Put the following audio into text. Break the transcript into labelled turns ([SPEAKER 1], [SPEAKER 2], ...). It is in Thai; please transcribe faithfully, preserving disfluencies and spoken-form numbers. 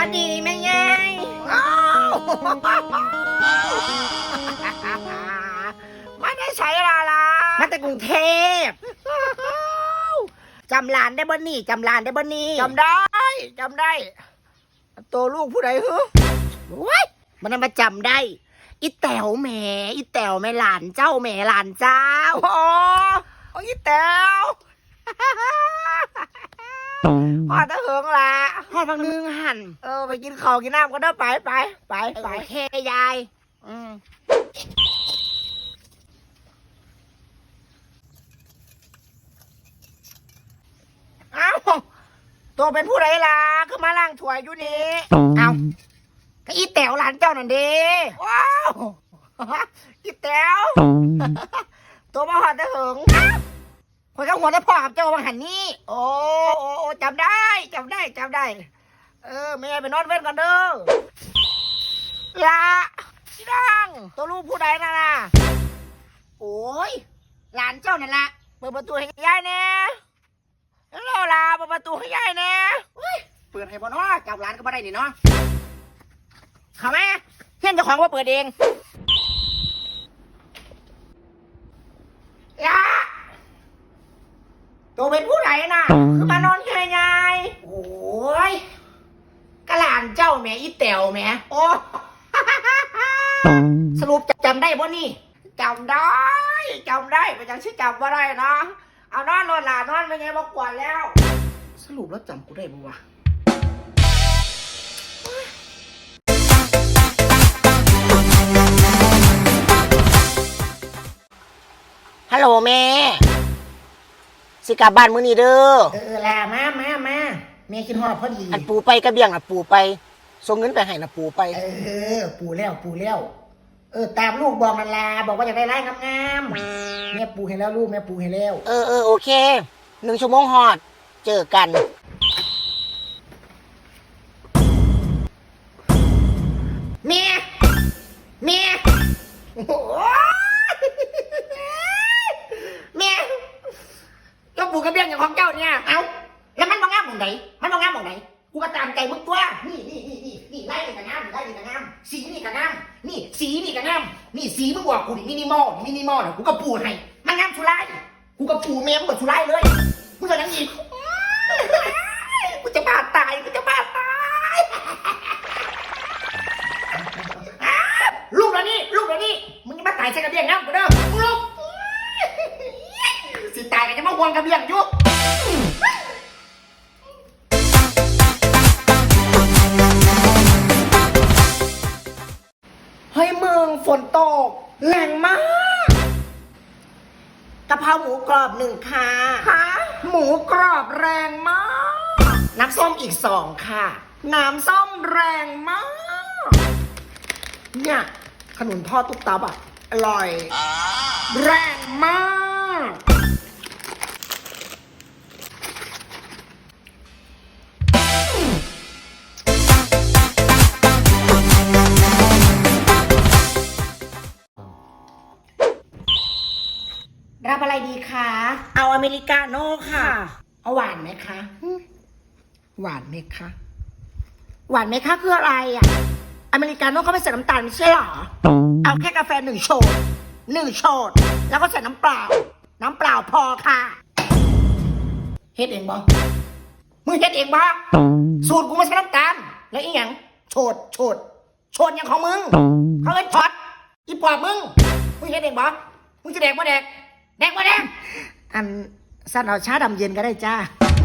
[SPEAKER 1] สดีแม่ยาย
[SPEAKER 2] ไม่ได้ใช้ลาลา
[SPEAKER 1] มาจากกรุงเทพจำร้านได้บ่นี่จำร้านได้บ่นี่
[SPEAKER 2] จำได้จำได้ตัวลูกผู้ใดเหรอ
[SPEAKER 1] ว้ยมันมาจำได้อีแต๋วแหมอีแต๋วแม่หลานเจ้าแหมหลานเจ้า
[SPEAKER 2] อ๋ออีแต๋วพอตะเหิงละ
[SPEAKER 1] พอพักนึงหัน
[SPEAKER 2] เออไปกินข้าวกินน้ำก็ได้ไปไปไปไป
[SPEAKER 1] โอเคยาย
[SPEAKER 2] อืมเอ้าตัวเป็นผู้ใดล่ะคือมาล้างถ้วยอยู่นี่
[SPEAKER 1] เอ้าก็อีแต๋วหลานเจ้านั่นเด้
[SPEAKER 2] ว้าวอีแต๋วตัวมาหอดตะเหิง
[SPEAKER 1] คนก็หัวได้พ่อกับเจ้าบางหันนี่
[SPEAKER 2] โอ้โอ้โอ้จำได้จำได้จำได้เออแม่ไปนอนเว้นก่อนเด้อละพี่ดังตัวลูกผู้ใดน่ะนะ
[SPEAKER 1] โอ้ยหลานเจ้านั่นละ
[SPEAKER 2] เปิดประตูให้ยายแน่แล้วเราลาเปิดประตูให้ยายแน่
[SPEAKER 1] เปิดให้บ่เนาะจับหลานก็บ่ได้นี่เนาะเข้ามาเฮียนเจ้าของว่าเปิดเอง
[SPEAKER 2] ละตัวเป็นผู้ใดน่ะคือมานอนแค่ยาย
[SPEAKER 1] โอ้ยกะหลานเจ้าแม่อีแต๋วแม่
[SPEAKER 2] โอ้
[SPEAKER 1] สรุปจำได้บ่นี่
[SPEAKER 2] จำได้จำได้ไปยังชื่อจำว่าได้นะเอานอนนอนหลานนอนไปไงมากว่าแล้ว
[SPEAKER 1] สรุปแล้วจำกูได้บ่วะฮัลโหลแม่สิกลับบ้านมื้อนี้เด้อ
[SPEAKER 2] เออลามามามาแม่คิดฮอดพอดี
[SPEAKER 1] อันปูไปกระเบียงอ่ะปูไปส่งเงินไปให้น่ะปูไป
[SPEAKER 2] เออปูแล้วปูแล้วเออตามลูกบอกนั่นล่ะบอกว่าอยากได้ไร่งามๆแม่ปูให้แล้วลูกแม่ปูให้แล้ว
[SPEAKER 1] เออเออโอเคหนึ่งชั่วโมงฮอดเจอกัน
[SPEAKER 2] แม่แม่แม่ก็ปูกระเบียงอย่างของเจ้าเนี่ยเอ้าแล้วมันมองงามมองไหนมันมองงามมองไหนกูก็ตามใจมึงตัวนี่นี่นี่นี่นี่ไล่นี่กับงามไล่นี่กับงามสีนี่กับงามนี่สีนี่กับงามนี่สีมึงบอกกูนี่มินิมอลมินิมอลกูก็ปูให้มันงามชุไลกูก็ปูเมมกับชุไลเลยมึงจะยังอีกกูจะบ้าตายกูจะบ้าตายลูกแล้วนี่ลูกแล้วนี่มึงจะมาตายใส่กระเบียงนะกูเด้อมึงลูกสิตายกันจะมาห่วงกระเบียงอยู่เฮ้ยมึงฝนตกแรงมากกะเพราหมูกรอบหนึ่งค่ะค่ะหมูกรอบแรงมากน้ำส้มอีกสองค่ะน้ำส้มแรงมากเนี่ยขนุนทอดตุ๊กตาอ่ะอร่อยแรงมากรับอะไรดีคะเอาอเมริกาโน่ค่ะเอาหวานไหมคะหวานไหมคะหวานไหมคะคืออะไรอ่ะอเมริกาโน่เขาไม่ใส่น้ำตาลไม่ใช่หรอเอาแค่กาแฟหนึ่งโชดหนึ่งโชดแล้วก็ใส่น้ำเปล่าน้ำเปล่าพอค่ะเฮ็ดเองบ่มึงเฮ็ดเองบ่สูตรกูไม่ใช่น้ำตาลแล้วอีหยังโชดโชดโชดอย่างของมึงเขาเลยช็อตอีปอบมึงมึงเฮ็ดเองบ่มึงจะแดกบ่แดกแดกบ่แดกอันสั้นเอาชาดำเย็นก็ได้จ้า